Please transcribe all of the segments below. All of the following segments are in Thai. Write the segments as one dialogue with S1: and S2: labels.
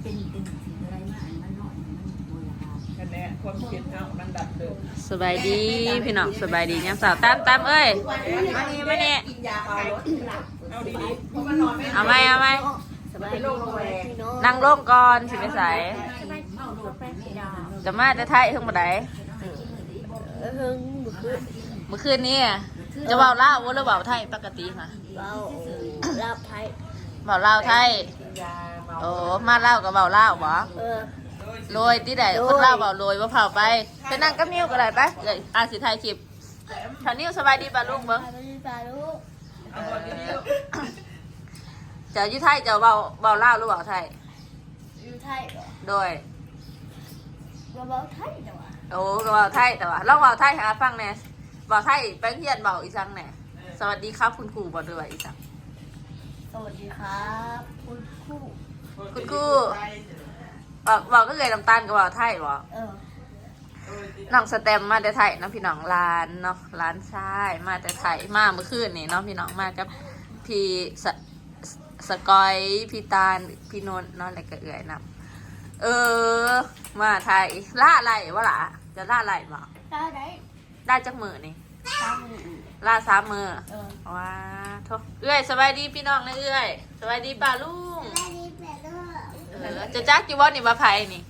S1: เป็นสิ่งอะไรมาอันมันน้อยมันโบราณ
S2: คะแนนความคิดเอามันดับเดิม
S3: สบายดีพี่น้องสบายดียังสาวตามเอ้ยมานี่มานี่
S2: กินยาคลายรถเอาดีๆเพราะมันนอนไม่
S3: เอาไหมเอาไหม
S1: สบายดีพี่น้อง
S3: นั่งลงก่อนสิไปใส่
S1: เมาโดดไปไม่ได้
S3: จะมาจะไทยถึงบ่ได้
S1: เฮิงบุคือ
S3: เมื่อคืนนี้จะเบาเล่าวหรือเบาไทยปกติค่ะ
S1: เบาลาบไทย
S3: เบาเล่าวไทย
S2: ยาเมา
S3: โอ้มาเล่าวกับเบาเล่าวบ่
S1: เออ
S3: โรยที่ใดคนเล่าวเบาโรยว่าเผาไปไปนั่งกับนิ้วก็ได้ไปเลยอาสิไทยคลิปแถวนิ้วสบายดีป่ะลูกเบิ้ง
S1: สบายดีป่าลูก
S2: เอาบอลดีๆลูก
S3: เจ้าอยู่ไทยเจ้าเบาเล่าวหรือเบาไทย
S1: อยู่ไทยเหรอ
S3: โดย
S1: เบาไทยแต่ว่า
S3: โอ้ก็เบาไทยแต่ว่าลองเบาไทยหาฟังแหน่เบาไทยไปเฮียนเบาอีสังแหน่สวัสดีครับคุณครูบอกด้วยอีสัง
S1: สวัสดีครับคุณครู
S3: คุณครูบอกก็เลยน้ำตาลกับเบาไทยบอก
S1: เออ
S3: น้องสแตมมาแต่ไทยเนาะพี่น้องร้านเนาะร้านชายมาแต่ไทยมาเมื่อคืนนี่เนาะพี่น้องมากับพี่สกอยพี่ตาลพี่นนท์เนาะอะไรก็เอื่อยนำมาไทยล่าอะไรวะล่ะจะล่าอะไรบอก
S1: ได้ไหน
S3: ได้จักมือนี่
S1: ตามมือ
S3: ล่า3 มือ
S1: เออ
S3: ว้าโทเอื้อยสบายดีพี่น้องนะเอื้อยสบายดีป่าลุง
S1: ได้ดีแปดลูก
S3: จะจักกี่วันนี่มาไพ่นี่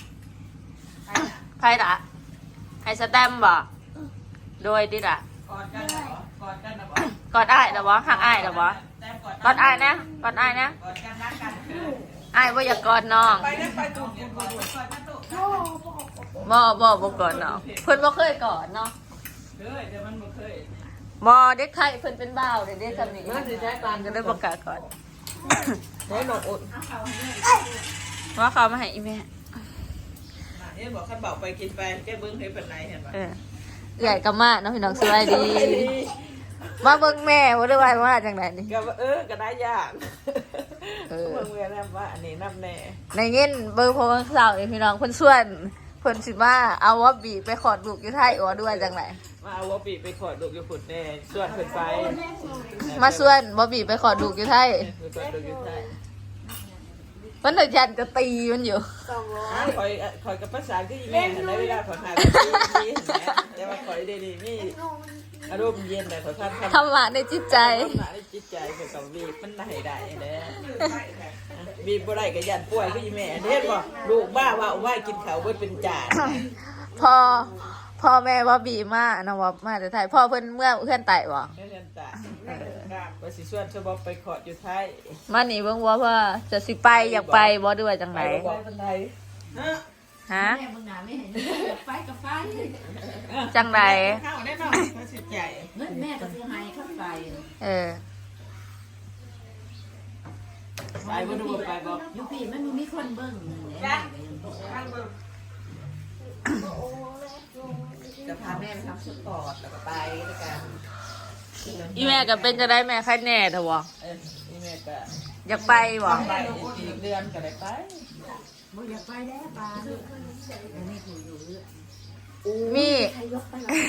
S3: ไพ่ละไฮสแตมบ่โดยดิละ
S2: กอดกันนะกอดกันนะบอล
S3: กอดอ้ายเหรอบ่หักอ้ายเหรอบ่
S2: แต้ม
S3: กอดอ้ายนะกอดอ้ายนะ
S2: กอดกันรักกัน
S3: อ้ายบ่อยากกอดน้อง
S2: ไปนะไปตุ่มกอดกันตุ่ม
S3: บ่กอดน้องเพิ่นบ่เคยกอดเนาะ
S2: เฮ้ยเดี๋ยวมันบ่เคย
S3: บ่เด็กไทยเพิ่นเป็นบ่าวเด็กๆกันนี่มันสิใช้ปานก็เลยบ่กล้ากอด
S2: ได้หนกอด
S3: ว่าเขามาให้อีแม่
S2: นี่บอกขันเบาไปกินไปแก้เบิ้งให้เป็นไรเห็นปะ
S3: ใหญ่กับมาเนาะพี่น้องสบายดีมาเบิ่งแม่บ่ได้ว่าจังไดนี่
S2: ก็ก็ได้ยากเบิ้งเวลาว่าอันนี้นับแน่
S3: ในเงินเบอร์โทรศัพท์พี่น้องเพิ่นส่วนเพิ่นสิมาเอาว่าบีไปขอดลูกอยู่ไทยอ๋อด้วยจังได
S2: มาเอาวอปีไปขอดลูกอยู่ฝุ่นแน่ส่วนเพิ่นไป
S3: มาส่วนบ่บีไปขอดลูกอยู่ไทย
S2: ขอดลูกอยู่ใต้
S3: เพิ่นน่ะยันจะตีมันอยู่
S2: คอยกับภาษาที่แม่ในเวลาขอหาที่แต่ว่าคอยดีๆนี่อารมณ์เย็นแต่ขอทำ
S3: ธรรมะในจิตใจ
S2: หนาในจิตใจเกี่ยวกับบีบมันได้ได้เด้บีบบ่ได้ก็ยันป่วยก็อีแม่เฮ็ดบ่ลูกบ้าว่าเอาไว้กินข้าวเบิดเป็นจาน
S3: พ่อแม่ว่าบีมานะว่ามาแต่ไทยพ่อเพิ่นเมื่อเพื่อนไต่บ่
S2: แม่เรียนตาว่าสิส่วนสบไปขอดอยู่ไทย
S3: มานี่เบิ่งว่าพ่อจะสิไปอยากไปบ่ด้วยจังได
S2: บ่เป็นไรฮะ
S3: ฮะ
S1: แม่มึงหนาไม่เห็นไฟกับไฟ
S3: จังได
S2: ข้าวแน่นอนมาสิใจ
S1: เงินแม่ก็ซื้อให้เข้าไป
S3: เออ
S2: ไปบ่ดูไปบ่
S1: ยูปีมันมีคนเบิ่ง
S2: จะพาแม่ไปทำสปอร์ตแล้วก็ไปด้วยกัน
S3: อีแม่ก็เป็นจะได้แม่ใครแน่เถอะบ่
S2: นี่แม่ก็
S3: อยากไปบ่
S2: ไปอีกเดือนก็ได้ไป
S1: บ่อยากไปแล้วปลาอันนี้ถูอยู่เรื่อย
S3: มี
S1: ใครยกไปหร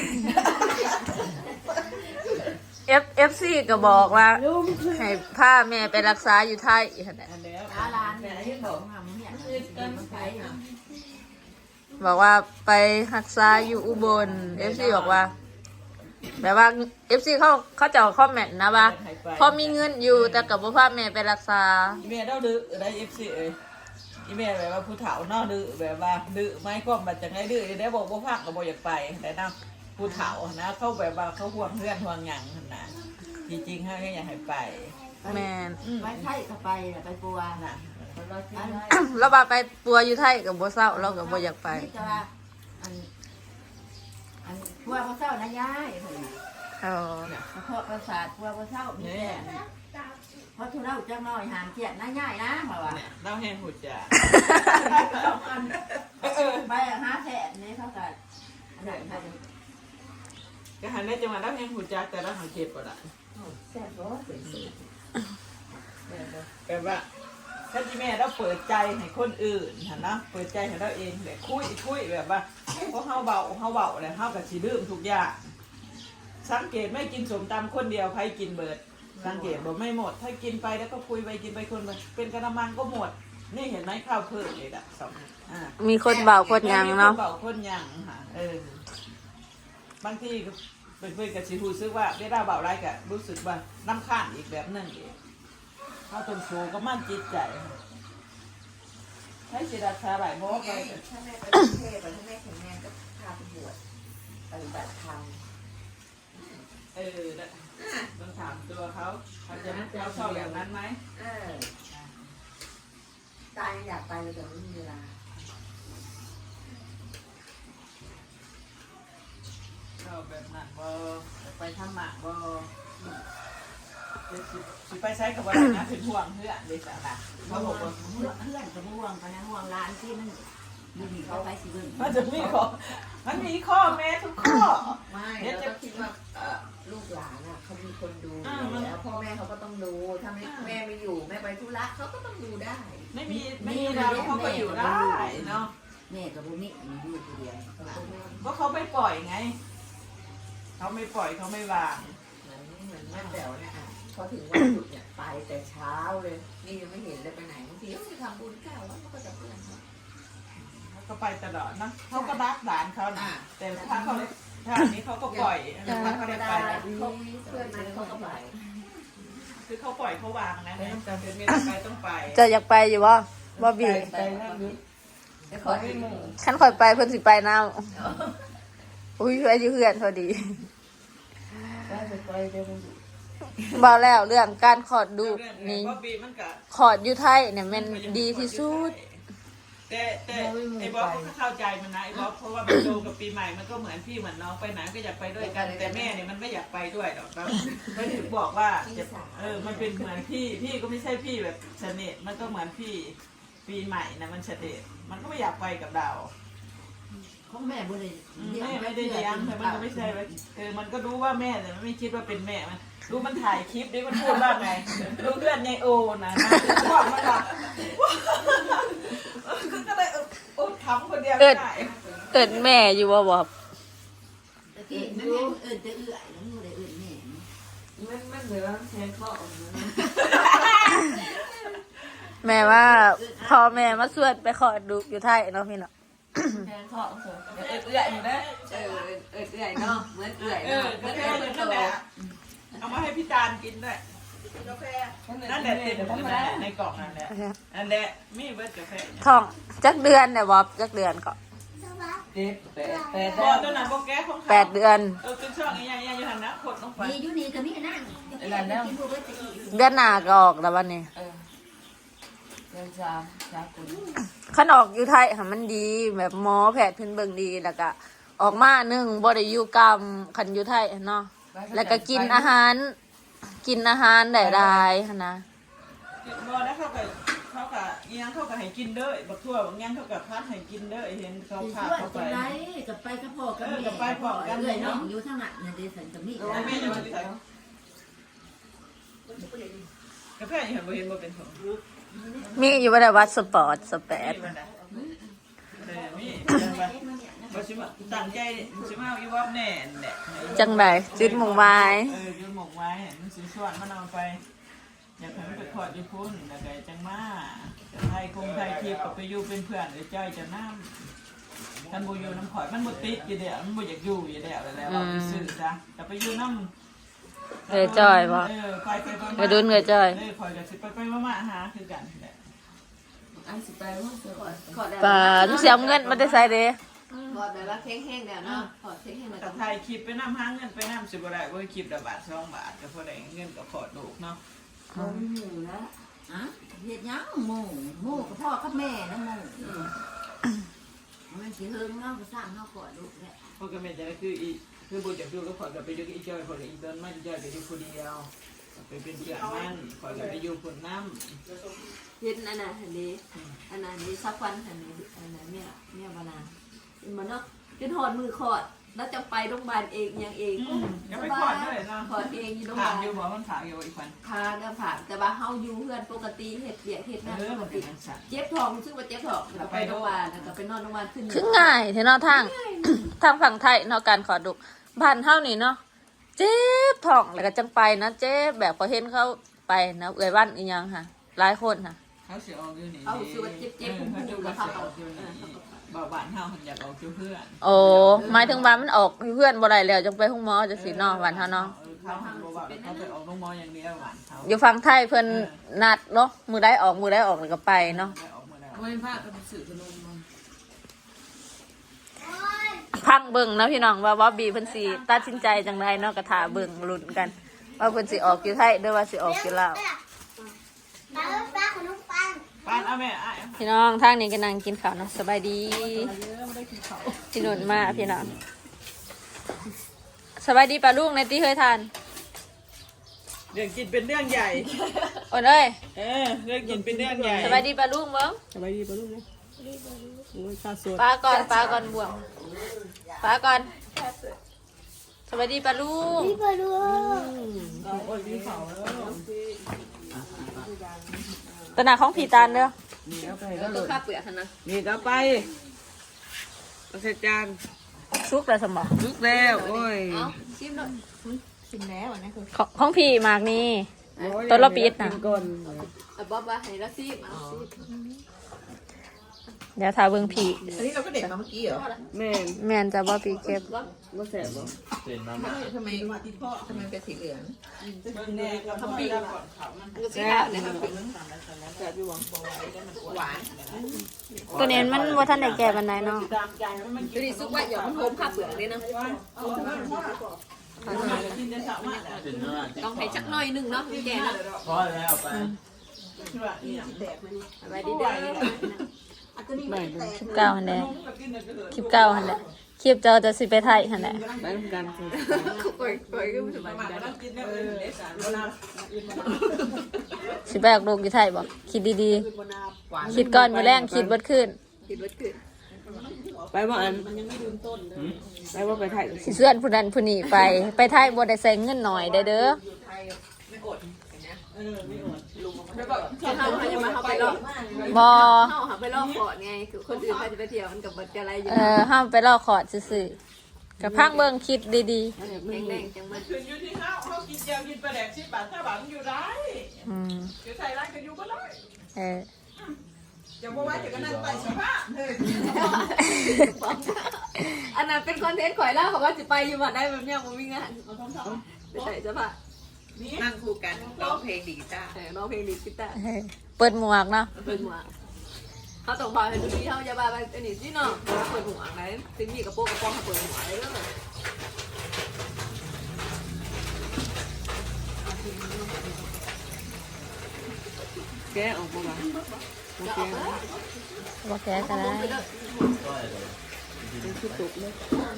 S1: อ
S3: FC ก็บอกว่าให้พาแม่ไปรักษาอยู่ไทยหั่นแหละ
S2: อันแล้ว
S1: ร้านร้านเนี่ยที่บอกทำเนี่ยมันไป
S3: บอกว่าไปรักษาอยู่อุบล FC บอกว่า แบบว่า FC เขาจะคอมเมนต์นะว่าพอมีเงินอยู่แต่กับบ่พาแม่ไปรักษา
S2: อีเมลเราดื้อได้ FC เอ้ยอีเมลแบบว่าผู้เฒ่าเนาะดื้อแบบว่าดื้อไม่ก็มาจากไหนดื้อได้บอกบ่พักก็บ่อยากไปแต่นะผู้เฒ่านะเขาแบบว่าเขาห่วงเพื่อนห่วงหยังหั่นน่ะจริงๆเขาก็อยากให้ไป
S3: แม่น
S1: ไปไทยก็ไปไปปัว
S2: น่ะ
S3: แล้วว่าไปปัวอยู่ไทยกับบ่เศร้าเราก็บ่อยากไป
S1: จะว่าอันปัวพระเจ้านะยาย
S3: อ๋อ
S1: เฉพาะประสาทปัวพระเจ้ามีแต่เพราะทุเราจังน้อยหามเกียรตินะยายนะมาว่า
S2: เล่าแห้งหุ่นจ้ะ
S1: ไป5แสนนี่เท่ากับอันไหนค่ะ
S2: ก็หันได้จังหวะเล่าแห้งหุ่นจ้ะแต่ละหันเจ็บปวดอ่ะ
S1: แสนบ่
S2: แบบว่าถ้าที่แม่เราเปิดใจให้คนอื่นเห็นนะเปิดใจให้เราเองแบบคุยแบบว่าเพราะเฮาเบาเลยเฮากับสีดื่มทุกอย่างสังเกตไม่กินสมตำคนเดียวใครกินเบิดสังเกตบอกไม่หมด ถ้ากินไปแล้วก็คุยไปกินไปคนไปเป็นกระมังก็หมดนี่เห็นไหมข้าวเพิ่มเลยสอง
S3: มีคนเบาคนยังเนาะ
S2: เบาคนยังค่ะบางทีเป็นเพื่อนกับชิฮูซึกว่าได้ได้เบาไรกะรู้สึกว่าน้ำข้านอีกแบบนึงอีกข้าวต้มโชก็มั่นจิตใจให้จิตอาสาหลายโมกไป
S1: ถ้าแม่ไปกรุงเทพถ้าแม่แข็งแรงก็พาไปบวชปฏิบัติธรรม
S2: ต้องถามตัวเขาจะเขาชอบอย่างนั้นไหม
S1: ตายอยากไปเลยแต่ไม่มีเวลา
S2: ชอบแบบนั้นบ่ไปทำหมากบ่สิไปใช้กับว่านะเป็นห่วงเพื่อนเลยจ้ะนะเขาบอกว่า
S1: เพื่อนกับห่วงกันนะห่วงร้านที่มันมีเขาไปสิเบิ่ง
S2: มันจะมีข้อมันมีข้อแม้ทุกข้อ
S1: ไม่เราก็คิดว่าลูกหลานอ่ะเขามีคนดูแล้วพ่อแม่เขาก็ต้องดูถ้าแม่ไม่อยู่แม่ไปธุระเขาก็ต้องดูได้
S2: ไม่มีเราเขาก็อยู่ได้เนาะ
S1: แม่กับบุมิมีลูกเดียว
S2: ก็เขาไม่ปล่อยไงเขาไม่ปล่อยเขาไม่วาง
S1: เหมือนแม่แจ๋วเนี่ยพอถึงวันหยุดเนี่ยไปแต่เช้าเลยนี่ยังไม่เห็นเลยไปไหนบางทีเขาไปทำบุญแก้วแล้วเขาก็จะเพื่อน
S2: เขาก็ไปตลอดนะเขาก็รักหลานเขานะแต่ถ้าเขาถ้าอันนี้เขาก็ปล่อยถ้าเขาได้ไป
S1: เพื่อนมันเขาก็ไป
S2: คือเขาปล่อยเขาวางนะเป็นเมียไปต้องไป
S3: จะอยากไปอยู่บ่บ่บี
S2: ไปนั่งดู
S1: เดี๋ยวขอให้หมู่
S3: ฉันค่อยไปเพิ่นสิไปน้ำอุ้ยไปอยู่เพื่อนพอดีเบาแล้วเรื่องการขอดดูนี่ ขอดอยู่ไทยเนี่ยมันดีที่สุด
S2: แต่ไอ้บ๊อบก็เข้าใจมันนะไอ้บ๊อบเพราะว่ามันโตกับปีใหม่มันก็เหมือนพี่เหมือนน้องไปไหนก็อยากไปด้วยกันแต่แม่เนี่ยมันไม่อยากไปด้วยหรอกครับก็ถึงบอกว่ามันเป็นเหมือนพี่ก็ไม่ใช่พี่แบบเสน่ห์มันก็เหมือนพี่ปีใหม่นะมันเสน่ห์มันก็ไม่อยากไปกับเรา
S1: ของแม่บุญเลย
S2: แม่ไม่ได้เลี้ยงแต่มันก็ไม่ใช่ว่ามันก็รู้ว่าแม่แต่มันไม่คิดว่าเป็นแม่มันรู้มันถ่ายคลิปดิมันพูดว่าไงรู้เพื่อนในโอนะชอบมันละก็เลยทำคนเดียวไม่ได้
S3: เอิ้นแม่อยู่บ่บ่
S1: ตะกี้แม่จะเอื่อยแล้วมูได้เอื่อยแม่มันเหมือนแทนข้อ
S3: แม่ว่าพ่อแม่มาสวดไปขอดูอยู่ไทยเนาะพี่เนาะ
S1: แทนข้อเอื่อยอยู่นะเอื่อยเนาะเหมือนเอื่อยเนาะเหมือน
S2: เหมือนกันแหละเอามาให้พี่ตาลกินด้วยกาแฟนั่นแหละติดในกล่องนั่นแหละนั่นแหละมีเบิร์ดกาแฟ
S3: ท้องจักเดือนเนี่ยบ่จักเดือนก็
S2: พอตัวนั้นโบแก้ของเขา
S3: 8 เดือน
S2: เป็นช่องยังอยู่หันนะขดลงไป
S1: มีอยู่นี่ก็มีนั่งกินบัวเบิร์ตะกี้
S3: เดือนหน้าก็ออกแล้ววันนี้
S1: เดินจามคน
S3: คันออกอยู่ไทยค่ะมันดีแบบหมอแพทย์เพิ่นเบิ่งดีแล้วก็ออกมาหนึ่งบ่ได้อยู่กรรมคันอยู่ไทยเนาะแล้วก็กินอาหารได้หลายหั่นนะ
S2: บอแล้วเขากับยังเขากับให้กินเด้อบักทั่วบางยังเขากับพัดให้กินเด้อเห็นเขาพาเขาไป
S1: กับไปกับพ่อกับแม่เลยน้องอยู่ทางนั้นเนี่ยเดสันกับมี
S2: แม่จะมาใส่กาแฟยังเห็นบ่เป็นของ
S3: มีอยู่บ่ได้วัดสปอร์ตสแปด
S2: มีบ่สิมาตั้งใจสิมาอีวอบแน่แหละ
S3: จังไดจุดมุ่งหมาย
S2: ยืมหมกไว้มันสิชวนมันเอาไปอยากให้มันไปขอดญี่ปุ่นแล้วก็จังมาจะไทยคงไทยทีกับไปอยู่เป็นเพื่อนหรือจ้อยจะน้ำท่านบ่อยู่น้ำข่อยมันบ่ติดอยู่เดียวมันบ่อยากอยู่อยู่แล้วแล้วเอาไปซื้อจ้ะแต่ไปอยู่น้ำ
S3: จ้อยบ่
S2: ไป
S3: ดุนเงยจ้อย
S2: ข่อยก็สิไปมาหาคือกันแหละ
S1: อันสิไปว่าขอได้
S3: ป่าทุกเสียเงินมันได้ใส่เด้
S1: ขอได้ว่าแข็งๆแล้วเนาะขอแข็งๆมา
S2: กับไทยคลิปไปน้ำหาเงินไปน้ำสิบ่ได้บ่คลิปละบาท2 บาทก็พอได้เงินก็ขอดลูกเนาะ
S1: หมูแล้วอ่ะเฮ็ดยังหมูกับพ่อกับแม่นะหมูมันสิเฮิงเนาะก็สร้างเฮาขอลูกแหละ
S2: พวกก็แม่จะคือบ่อยากอยู่ก็ขอก็ไปอยู่กับอีจ้อยพออีเดินมันจ้อยก็อยู่คนเดียวไปเป็นเพื่อนมันขอก็ไปอยู่คนน้ำ
S4: เห็นอันนั้นนี้สักวันอันนี้อันนั้นเนี่ยบานาเป็นมันเนาะเป็นหอดมือขอดแล้วจะไปโรงพยาบาลเองยังเอง
S2: ก็ไปขอดด้วยเนาะ
S4: ขอดเองอยู่โรงพ
S2: ถาย
S4: าม บาล
S2: อยู่บ่มันถามอยู่อีกคน
S4: พาก็ผ่านแต่ว่าเฮาอยู่เพื่อนปกติเฮ็ดเบียกเฮ็ดงานปก
S2: มัน
S4: ติ
S2: เป็นสัตว์
S4: เจ็บท้องซึ่งว่าเจ็บท้องแล้วก็ไปโรงพยาบาลแล้วก็ไปนอนโรงพยาบาลขึ้น
S3: คือง่ายเท่เนาะทาง ทางฝั่งไทยเนาะการขอดุบ้านเฮานี่เนาะเจ็บท้องแล้วก็จังไปนะเจ็บแบบพอเห็นเขาไปนะเอื้อยบ้านอีหยังค่ะหลายคนค่ะ
S2: เขาสิออกอยู่นี่
S4: เอาสิว่าเจ็บๆ
S2: เขาจะ
S4: พุ่งๆ
S2: ว่า
S4: ก็
S2: สิ
S4: เข้า
S2: ออกอยู่นี่บ่าวบ้านเฮาหันอยากออกอยู่เพื่อน
S3: โอ้หมายถึงว่ามันออกเพื่อนบ่ได้แล้วจังไปห้องหมอจังสิเนาะหวานเฮาเนาะ
S2: เขาหันบ่ว่าเขาไปออกโรงหมออย่างเดียวหวานเขา
S3: อยู่ฝั่งไทยเพิ่นนัดเนาะมือได้ออกแล้วก็ไปเนาะ
S2: ได้ออกมาแล้ว
S5: ไม่พลาดก็ไปสื่อขนมมัน
S3: พังเบิ่งเนาะพี่น้องว่าบ๊อบบี้เพิ่นสิตัดสินใจจังไดเนาะก็ท่าเบิ่งลุ้นกัน ว่าเพิ่นสิออกอยู่ไทยหรือว่าสิออกอยู่ลาว
S2: ป้านเอาแม่อ้าย
S3: พี่น้องทางนี้ก็นั่งกินข้าวเนาะสบายดีพี่นุ่นมาพี่น้องสบายดีป่ะลูกในที่เคยทาน
S2: เรื่องกินเป็นเรื่องใหญ่
S3: โอนเอ้ย
S2: เรื่องกินเป็นเรื่องใหญ่
S3: สบายดีป่ะลูกเบิ่ง
S2: สบายดีป่ะลูกนะโอ้ยข้าวสด
S3: ป้าก่อนบวงป้าก่อนสบายดีป่ะลูก
S2: โอ้ยมีเขาแล้ว
S3: ตนาของผีตาลเด้อ
S2: นี่ก็ไป
S4: ตัวข้าเปลือกนะ
S2: นี่ก็ไปประเสริฐจาน
S3: ซุกแล้วสมบ่
S2: ลุกแล้วโอ้ย
S4: เอาชิมหน่อย
S3: ของผีหมากนี่ ตัวละปิดน่ะ
S2: ก่อน
S4: เอาบ๊อบว่าให้ละซิมเอาซิม
S3: เดี๋ยวทาเบิ่งผี
S1: อันนี้เราก็เด็กมาเมื่อกี้เหรอ
S2: แม่น
S3: แม่นจะบ่ผีเก็บ
S2: บ่แสบบ่
S1: ทำไมเป็นสีเหลือง
S2: เบิ่งแน่ก็บ่ได้ก่อนเขามัน
S4: มันก็สิข้าวเนี่ยครับ
S2: แสบอยู่บ่
S1: หวาน
S3: ตัวนี้มันบ่ทันได้แก่ปานใดเนาะ
S2: ตามใจมัน
S4: ดูดิซุกว่าอย่ามันโฮมข้าวเปลือกเลยนะ
S2: กินได้สามารถ
S4: ต้องให้จักหน่อยหนึงเนาะพี่แกเนาะ
S6: พอแล้วไป
S2: คือว่านี่
S4: ไว้ดีเด้อ
S3: คลิปเก่าหั่นแหละคลิปเก่าหั่นแหละคลิปเจ้าจะสิไปไทยหั่นแหละ
S2: ไปทำกันคือ
S4: ปล่อยก็สบาย
S2: มา
S4: ใจ
S2: ต้องกินแล้วเด้สารบ่นา
S3: สิไปออกลูกอยู่ไทยบ่คิดดี
S1: หวาน
S3: ๆคิดก่อนมื้อแรงคิดเบิดขึ้น
S4: คิดว่าคือ
S2: ไปบ่อันไปบ่ไปถ่าย
S3: สิเสื้อนผู้นั้นผู้นี้ไปไทยบ่ได้ใส่เงินหน่อยได้เด้อ
S4: เขาจะมาเขาไปรอบ
S3: บ่
S4: เขาหาไปรอบก่อนไงคือคนอื่นเขาจะไปเที่ยวมันกับบัตรอะไรอยู่
S3: ห้ามไปรอขอดซื่อๆกับพังเบิ่งคิดดี
S4: แดงๆจังมัน
S2: ขึ้นอยู่ที่เขากินเจียวกินปลาแดก10 บาท5 บาทมันอยู่ได้
S3: ๆ
S2: อยู่ใส่ร้านก็อยู่บ่ได้
S3: เออ
S2: จะบ่ว่าจะก็นั่งไปสภาพเฮ้ย
S4: อันนั้นเป็นคอนเทนต์ข่อยแล้วเขาก็จะไปอยู่บัตรได้แบบเนี้ยมันวิ่งงานไปใส่เสื้อผ้า
S1: นั่งคู่กันร้องเพลงดีกีตาร์
S4: แต่ร้องเพลงดีกีตาร์
S3: เปิดหมวกเนาะ
S4: เปิดหัวเขาต้องบอกให้ดูดีเขาจะบาไปอันนี้ที่เนาะเปิดหัวไหนถึงมีกระโปรงกระป๋องเขาเปิดหัวเลยเด้อ
S2: แกออกบ่ว่า
S4: จะออกเลย
S3: บ่แก้ก็ได้
S4: ไปเด้อ
S2: เป็นคือตกเลย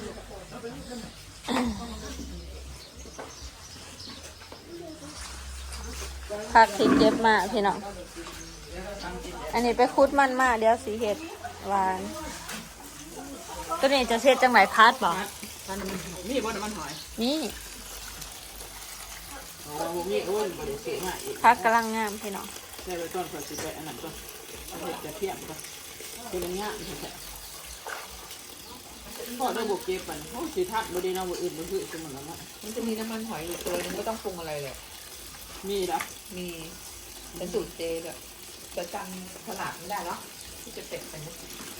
S3: ผักที่เก็บมาพี่น้องอันนี้ไปคุดมันมาเดี๋ยวสีเห็ดหวานตัวนี้จะเช็ดจังไหนพัดบ่
S2: มีบ่น้ำมันหอย
S3: นี่
S2: อ๋อบ่มีโอ้ยบ่ได้ซื้อมาอีก
S3: พักกำลังงามพี่น้อง
S2: ได้ไปก่อนเพิ่นสิไปอันนั้นก่อนเอาเฮ็ดกระเทียมก่อนเป็นมันงามแท้ๆพอได้บ่เก็บมันโอ้สิทักบ่ได้เนาะบ่อื่นบ่คือซุมันแล้วเนาะ
S1: มันจะมีน้ำมันหอยอยู่ตัวนึงก็ต้องปรุงอะไรเลย
S2: มีละ
S1: มีเป็นสูตรเจแบบจะจำขนาดไม่ได้เนาะที่จะเป็ดไปนะ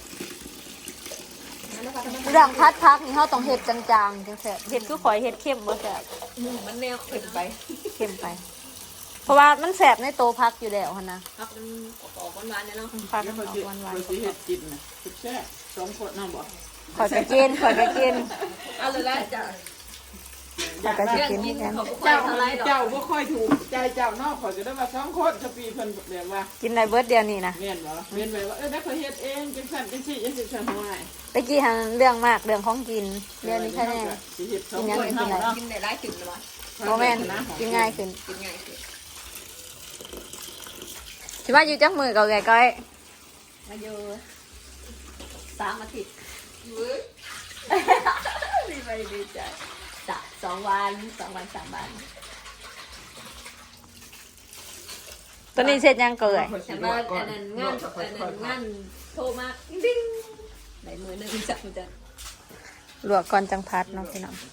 S1: นั่นนะคะ
S3: เรื่องพัดพักนี่เขาต้องเห็ดจางๆจังแซ่บเห็ดคือข่อยเห็ดเข้มบ่แซ่บ
S1: มันแนวเผ็ดไป
S3: เข้มไป เพราะว่ามันแซ่บในโตพักอยู่แล้วหั่นนะครับ
S4: มันออกหวานๆเนี่ยเนาะ
S3: พัก
S2: แล้ว
S3: อ
S2: เขา
S3: อก
S2: สิ
S3: หวาน
S2: เขาสิเฮ็ดกินน่ะแซ่บ2คนน้ำบ่
S3: ๆข่อยก็กินข่อยก็กิน
S4: เอาเลยละจ้ะ
S3: ข่อยก็สิกินเหมือนกัน
S4: เจ้าเท่าไรดอก
S2: เจ้าบ่ค่อยถูกใจเจ้านอกขอยก็ได้ว่า2คนสปีเพิ่นแบบว่า
S3: กินได้เบิดเดียวนี่นะ
S2: แม่นบ่แม่นแบบว่าได้ข่อยเฮ็ดเองจังซั่นจังซี่จังซี่ซั่นหัวให้
S3: ตะกี้หันเรื่องมากเรื่องของกินเรื่องนี้แค่แน่
S2: สิเฮ็ด2คนเฮาเนาะ
S1: กินได้หลายถึงเลยวะ
S3: โมแมนกินง่ายขึ้น
S1: กินง่ายสิ
S3: คิดว่าอยู่จักมือกับแกก้อย
S4: มาอยู่3 อาทิตย์ดีไปดีใจ2 วัน2 วัน 3 วัน
S3: ตัวนี้เสร็จยังเกย
S4: ฉันว่าอันนั้นงานโทรมาดิ้งไหนมือหนึ่งจับมันจะ
S3: ลวกก่อนจังพัดเนาะพี่น้อง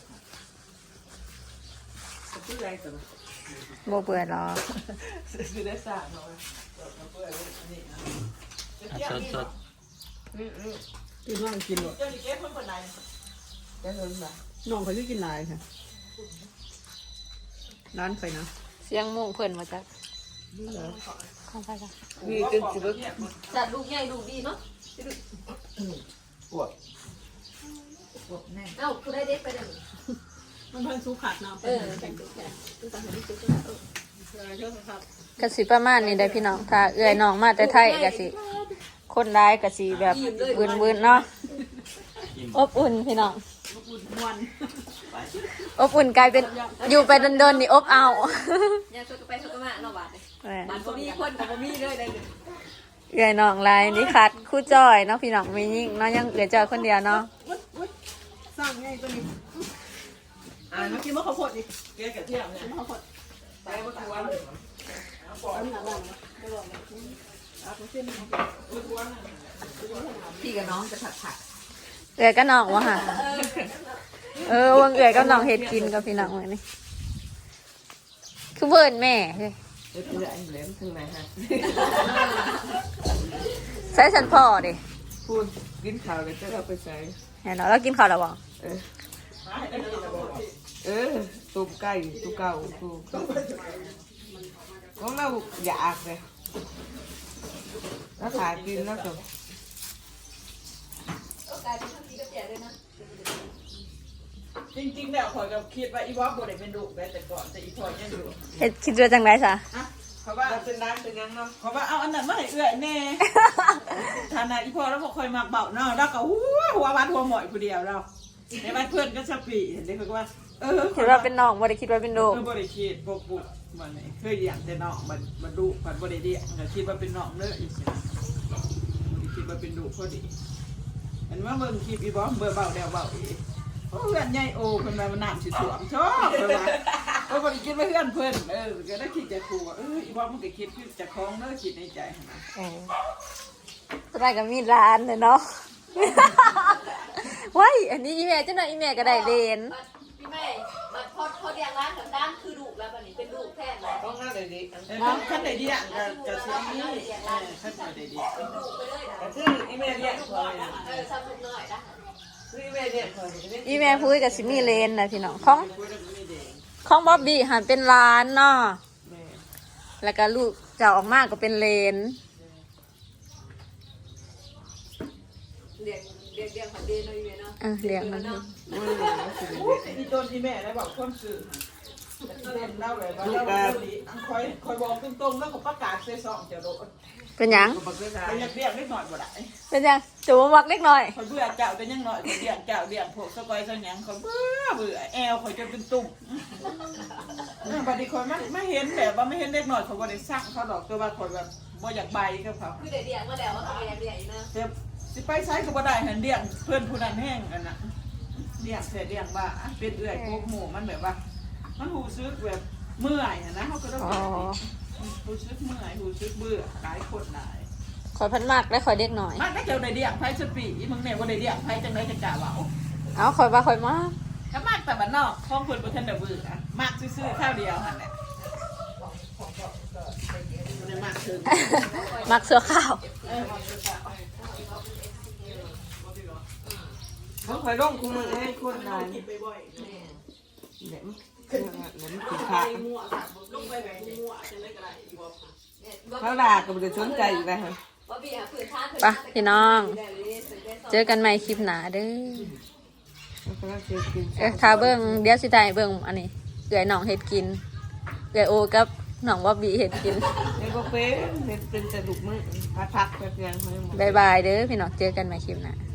S2: คือไรซั่น
S3: โบเบื่อหรอก
S2: สิได้ซ่าเนาะ
S3: สด
S5: กินว่างกินหมด
S2: เจ้านี่เก็บเพิ่นคนไหน
S1: จะเห็นแบบ
S5: น้องเขาจะกินหลายค่ะร้านใครนะ
S3: ๆเสียงหมูเพิ่นมาจาก
S5: นี่เหรอ
S3: ของไปจ้ะ
S1: มีจนสิบ
S4: จัดลูกใหญ่ลูกดีเนาะ
S1: ปวดแน่
S4: เอ้าคุณได้เด็กไปเดี๋ยว
S5: มันเพิ่งซุกขาดน้ำ
S4: แต่งตัวแค่ตัวต่างที่สุดก็
S5: เยอะครับ
S3: กะสิประมาณนี้ได้อพี่น้องถ้าเอื้อยน้องมาแต่ไทยกะสิคนร้ายกะสิแบบวืนๆเนาะอบอุ่นพี่น้อง
S5: อุ่นมวน
S3: อบอุ่นกลายเป็นอยู่ไปดนๆนี่อบเอา
S4: เนี่ยช่วยกันไปช่วยกันมาเนาะบาทเลย
S3: แหม่
S4: บาทบ่มีคนกับบ่มีเลยได้เลย
S3: เอื้อยน้องลายนี่คัดคู่จอยเนาะพี่น้องไม่ยิ่งเนาะยังเอื้อยจอยคนเดียวเนาะ
S5: สร้างไงตัวนี้เมื่อกี้มะข้าวโพดดิ
S2: เกลือกระเทียมเนี่ย
S5: มะข้าวโพด
S2: ไปบ่ทวน
S5: อันนี้หนักบ้างนะไม่บอกเลยเอาไปเส้น
S1: พี่กับน้องจะผัด
S3: เอื้อยก็น้องวะค่ะวงเอื้อยก็น้องเฮ็ดกินกับพี่น้องเลยนี่คือเบิ่นแม่เฮ้ย
S1: เดี๋ยวเอันเหลืองถึงไหนฮะ
S3: ใส่สันพ่อดิ
S1: พูดกินข้าวแล้วจะเอาไปใส่
S3: เห็นเนาะแล้วกินข้าวแล้วบ่
S1: ตุ่มไก่ตุ่มเก่าตุ่มของเราอยากเลยแล้วขากินแล้วก็
S4: กลายเป็นทั้งดีกับแก่ด้วยนะ
S2: จริงๆแล้วข่อยก็คิดว่าอีวอบ่ได้เป็นดุได้แต่ก่อนแต่อีพอยยังอยู่
S3: เฮ็ดคิดว่าจังไดซะ
S2: เขาว่า
S1: เราเป็นร้านเป็นยังเนาะ
S2: เขาว่าเอาอันนั้นมาให้เอื้อยแน่ฐานะอีพอแล้วบ่ค่อยมักเบาเนาะแล้วก็หัววัดหัวหมอยผู้เดียวเราในบ้านเพื่อนก็สปีเห็นได้คือว่า
S3: คิดว่าเป็นน้องบ่ได้คิดว่าเป็นลูก
S2: บ่ได้คิดปกมันนี่เคยอย่างแต่น้องมันดุมันบ่ได้เรียกก็คิดว่าเป็นน้องเด้ออีสิคิดว่าเป็นดุพอดีมันว่าเบิ่งคลิปอีบอมเบิ่งเบาแล้วเบาอีโอ้เพื่อนใหญ่โอ้เพิ่นว่ามันน้ำสิท่วมชอบเพิ่นว่าโอ้บ่ได้คิดว่าเพื่อนเพิ่นก็ได้คิดจะครูว่าอีบอมมันก็คิดคือจะคล้องเด้อคิดในใจหั่นนะ
S3: สมัยก็มีร้านเนาะ ว้ายอันนี้อีแม่เจ้าหน่อยอีแม่ก็ได้เลน
S4: พี่แม่บัดพอเรียงร้านกับด้านคือลูกแล้วบัดนี้เป็นลูกแทนเลย
S1: ต้องหน้าเลยดิ
S2: คันได้เดียก็สิมีคันได้เดีย
S4: เป็นลูกไปเลยนะ
S1: แต่ชื่ออีเมลเนี่ยคอย
S4: ซ้ำลูกน้อยนะ
S1: ชื่ออีเมลเนี่ยคอย
S3: อีแม่พูดกับสิมีเลนนะพี่น้องของบ๊อบบี้หันเป็นร้านเนาะแล้วก็ลูกจะออกมาก็เป็นเลน
S4: เรียงผัดเดนเลยเนาะ
S3: เลี้ยงมัน
S2: อีต้นอีแม่ได้บอกความสื่อเล่นเล่าเลยว่าเราดีคอยบอกตรงๆแล้วก็ประกาศใส่ซองจะโดน
S3: เป็นหยัง
S2: ไปเรียกนิดหน่อยบ่ได้
S3: เป็นหยังจูบมักเล็กหน่อย
S2: คอยเบื่อเจ้าเป็นยังหน่อยเรียกเจ้าเรียกพวกสกอยสังยังคอยเบื่อแอลคอยจะเป็นตุ่มบัดนี้คอยไม่เห็นแบบว่าไม่เห็นเด็กหน่อยเขาบ่ได้ซักเขาดอกตัวว่าคอยแบบบ่อยากใบกับเขา
S4: คือเดี๋ยวเรียงมาแล้วว่าเขาเรียงอยู่นะ
S2: สิไปใช้ก็บ่ได้หันเลี้ยงเพื่อนผู้นั้นแห้งกันน่ะเลี้ยงเสียเลี้ยงว่าเป็นเอื้อยพวกหมู่มันแบบว่า มันหูซึกแบบเมื่อยนะเขาก็ต้องหูซึกเมื่อยหูซึกเบื่อหลายคนหลาย
S3: ขอยพันมากและขอยเด็กหน่อย
S2: มันได้เกี่ยวได้เลี้ยงไผสปีมึงเนี่ยว่าได้เลี้ยงไผจังได๋จังกะว่า
S3: เอาขอยว่าขอยมาก
S2: ก็มากแต่บ้านนอกของเพิ่นบ่ทันได้เบื่อมากซื่อๆข้าวเดียวหั่นแหละบ่ได้มากถึง
S3: มักเสื้อข้าว
S1: เขาคอยร่องคุ้มมือให้คนนานเดี๋ยวมันถึงขาเขาด่าก็ไม่ได้สนใจอยู่แล้ว
S3: ไปพี่น้อง เจอกันใหม่คลิปหนาเด้อถ้าเบิ่งเดี๋ยวสิได้เบิ่งอันนี้เอื้อยน้องเฮ็ดกินเอื้อยโอกับน้องบ๊อบบี้เฮ็ดกิน
S1: ไอ้พวกเป็นแต่ลูกมือพักแบบยัง
S3: บ๊ายบายเด้อพี่น้องเจอกันใหม่คลิปหน้า